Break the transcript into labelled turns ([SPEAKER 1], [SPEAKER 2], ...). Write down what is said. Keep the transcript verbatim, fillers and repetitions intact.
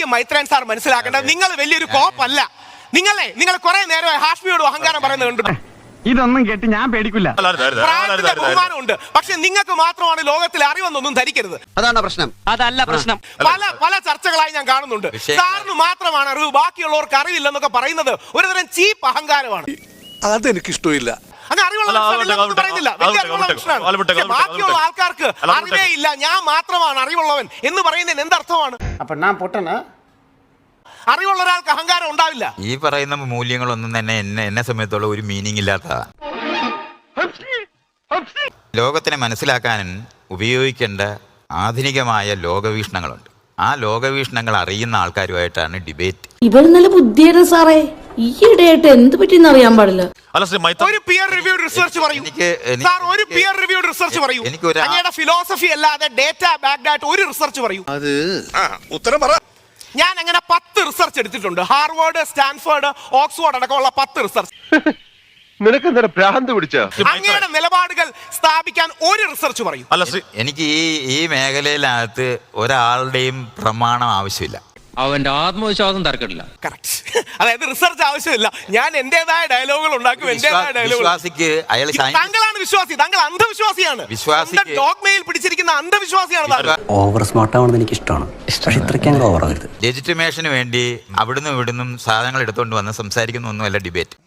[SPEAKER 1] ആദ്യം മൈത്രൻ സാർ മനസ്സിലാക്കേണ്ടത് നിങ്ങൾ വലിയൊരു കോപ്പല്ല. നിങ്ങളെ നിങ്ങൾ കുറെ നേരമായി ഹാഷ്മിയോട് അഹങ്കാരം പറയുന്നത് കണ്ടു.
[SPEAKER 2] ഇതൊന്നും കേട്ട് ഞാൻ പേടിക്കില്ല.
[SPEAKER 1] പ്രായത്തിന്റെ ബഹുമാനമുണ്ട്, പക്ഷെ നിങ്ങൾക്ക് മാത്രമാണ് ലോകത്തിൽ അറിവെന്നൊന്നും ധരിക്കരുത്.
[SPEAKER 3] അതാണ് പ്രശ്നം.
[SPEAKER 4] അതല്ല പ്രശ്നം.
[SPEAKER 1] പല പല ചർച്ചകളായി ഞാൻ കാണുന്നുണ്ട്. സാറിന് മാത്രമാണ് അറിവ്, ബാക്കിയുള്ളവർക്ക് അറിവില്ലെന്നൊക്കെ പറയുന്നത് ഒരുതരം ചീപ്പ് അഹങ്കാരമാണ്.
[SPEAKER 5] അതെനിക്കിഷ്ടമില്ല.
[SPEAKER 1] ബാക്കിയുള്ള ആൾക്കാർക്ക് അറിവേ ഇല്ല, ഞാൻ മാത്രമാണ് അറിവുള്ളവൻ എന്ന് പറയുന്നതിന് എന്തർത്ഥമാണ്?
[SPEAKER 3] അപ്പൊ ഞാൻ പൊട്ടനാ?
[SPEAKER 1] അറിവുള്ള ഒരാൾക്ക് അഹങ്കാരം ഉണ്ടാവില്ല.
[SPEAKER 6] ഈ പറയുന്ന മൂല്യങ്ങളൊന്നും തന്നെ എന്നെ എന്നെ സംബന്ധിച്ചുള്ള ഒരു മീനിങ് ഇല്ലാത്തതാണ്. ലോകത്തിനെ മനസ്സിലാക്കാൻ ഉപയോഗിക്കേണ്ട ആധുനികമായ ലോകവീക്ഷണങ്ങളുണ്ട്. ആ ലോകവീക്ഷണങ്ങൾ അറിയുന്ന ആൾക്കാരുമായിട്ടാണ് ഡിബേറ്റ്.
[SPEAKER 7] ഇവർ നല്ല ബുദ്ധിയാണ് സാറേ. ഈയിടെയായിട്ട് എന്ത് പറ്റിയെന്ന് അറിയാൻ പാടില്ല.
[SPEAKER 1] ഒരു പിയർ റിവ്യൂഡ് റിസർച്ച് പറയൂ സാർ, ഒരു പിയർ റിവ്യൂഡ് റിസർച്ച് പറയൂ. അങ്ങയുടെ ഫിലോസഫി അല്ലാതെ ഡേറ്റ ബാക്ക്ഡ് ആയിട്ട് ഒരു റിസർച്ച് പറയൂ.
[SPEAKER 5] അത് ഉത്തരം പറ.
[SPEAKER 1] ഞാൻ അങ്ങനെ പത്ത് റിസർച്ച് എടുത്തിട്ടുണ്ട്. ഹാർവാർഡ്, സ്റ്റാൻഫോർഡ്, ഓക്സ്ഫോർഡ് അടക്കമുള്ള പത്ത് റിസർച്ച്.
[SPEAKER 5] നിനക്ക് എന്താ ഭ്രാന്ത് പിടിച്ച?
[SPEAKER 1] അങ്ങയുടെ നിലപാടുകൾ സ്ഥാപിക്കാൻ ഒരു റിസർച്ച് പറയൂ.
[SPEAKER 6] എനിക്ക് ഈ ഈ മേഖലയിലകത്ത് ഒരാളുടെയും പ്രമാണം ആവശ്യമില്ല.
[SPEAKER 4] അവന്റെ ആത്മവിശ്വാസം തർക്കമില്ല.
[SPEAKER 1] കറക്റ്റ്. അതായത് റിസർച്ച് ആവശ്യമില്ല. ഞാൻ എന്റേതായ ഡയലോഗുകൾ ഉണ്ടാക്കും. എന്റേതായ ഡയലോഗുകൾ. താങ്കളാണ് വിശ്വാസി, താങ്കൾ അന്ധവിശ്വാസിയാണ്. ഡോഗ്മയിൽ പിടിച്ചിരിക്കുന്ന അന്ധവിശ്വാസിയാണ്.
[SPEAKER 3] ഓവർ സ്മാർട്ട് ആവണമെന്ന് എനിക്ക് ഇഷ്ടമാണ്. പക്ഷെ ഇത്രയ്ക്ക് ഓവർ ആവരുത്.
[SPEAKER 6] ലെജിറ്റിമേഷന് വേണ്ടി അവിടുന്ന് ഇവിടുന്നും സാധനങ്ങൾ എടുത്തുകൊണ്ട് വന്ന് സംസാരിക്കുന്ന ഒന്നുമല്ല ഡിബേറ്റ്.